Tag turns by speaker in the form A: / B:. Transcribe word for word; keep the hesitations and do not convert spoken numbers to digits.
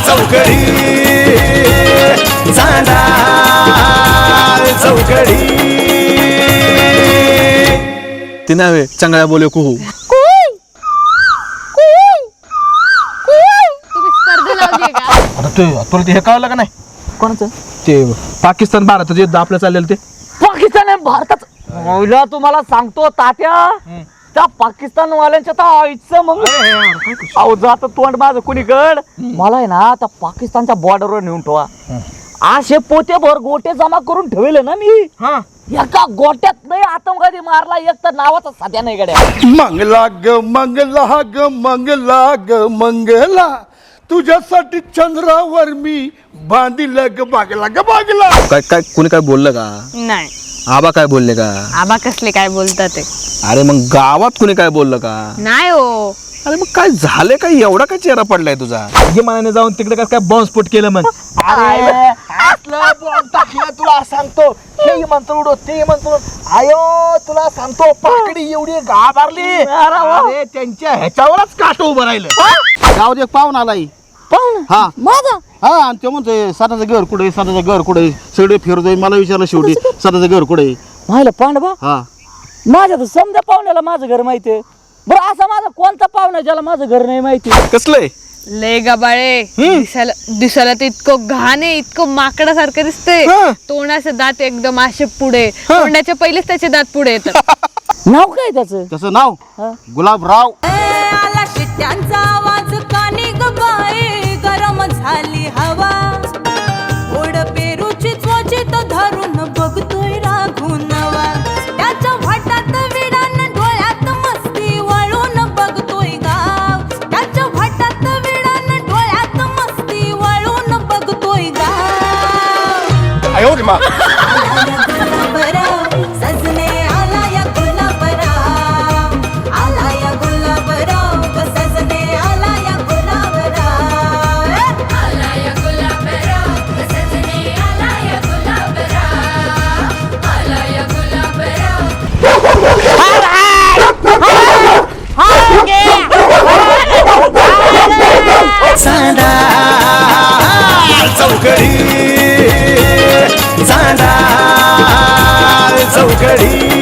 A: चौकडी चांडाळ चौकडी
B: ती नावे चांगल्या बोले कुहू
C: आता ते तुला ते हे कळलं का नाही
D: कोणाचं
C: ते पाकिस्तान भारत जे आपलं चाललेलं ते
D: पाकिस्तान आहे भारताचं महिला तुम्हाला सांगतो तात्या त्या पाकिस्तान वाल्यांच्या तर आईचं मग अहो जात तोंड माझं कुणीकड मला आहे ना त्या पाकिस्तानच्या बॉर्डरवर नेऊन ठेवा असे पोतेभर गोटे जमा करून ठेवले ना मी एका गोट्यात नाही आतंकवादी मारला एक तर नावाचा साध्या नाही गड्या
A: मंगला ग मंगला ग मंगला ग मंगला तुझ्यासाठी चंद्रावर मी बांधिल ग बागला ग बागला.
B: काय काय कोणी काय बोललं का?
E: नाही
B: आबा काय बोलले का?
E: आबा कसले काय बोलतात ते?
B: अरे मग गावात कोणी काय बोललं का?
E: नाही हो.
B: अरे मग काय झाले काय एवढा काय चेहरा पडलाय तुझा?
C: विमानाने जाऊन तिकडे काय काय बॉम्बस्फोट केलं मग अरे असलं बॉम्ब टाकलं तुला सांगतो हे म्हणतो उडो ते म्हणतो आयो तुला सांगतो पाकडी एवढी घाबरली अरे त्यांच्या ह्याच्यावरच काट उभं राहिलं
F: गावात एक पाहुणा आलाय
D: पाहुणा
F: हा
D: माझा
F: हा आणि ते म्हणतोय सदाचं घर कुठे सदाचं घर कुठे सगळे फिरतोय मला विचारलं शेवटी सदाचं घर कुठे
D: माहिला पांडवा
F: हा
D: माझ्या तर समजा पाहुण्याला माझं घर माहितीये बरं असा माझा कोणता पाहुणा ज्याला माझं घर नाही माहिती
B: कसलंय?
E: लय गबाळे दिसायला दिसायला तर इतकं घाण आहे इतकं माकडासारखं दिसते तोंडाचे दात एकदम असे पुढे तोंडाच्या पहिलेच त्याचे दात पुढे येतात
D: नाव काय त्याचं
F: त्याचं नाव गुलाबराव
G: आला शिट्ट्यांचा आवाज कानी ग बाई गरम झाली हवा ओढ पेरूची चोचीत धरून बघतोय राघून नवा त्याच्या वाटात विडान डोळ्यात मस्ती वळून बघतोय गाव त्याच्या वाटात विडान डोळ्यात मस्ती वळून बघतोय गाव
A: आयो रे मा
G: सजने आला या गुलाबराव आला या गुलाबराव सजने आला या गुलाबराव आला या गुलाबराव सजने आला या गुलाबराव आला या गुलाबराव
A: चांडाळ चौकडी चांडाळ चौकडी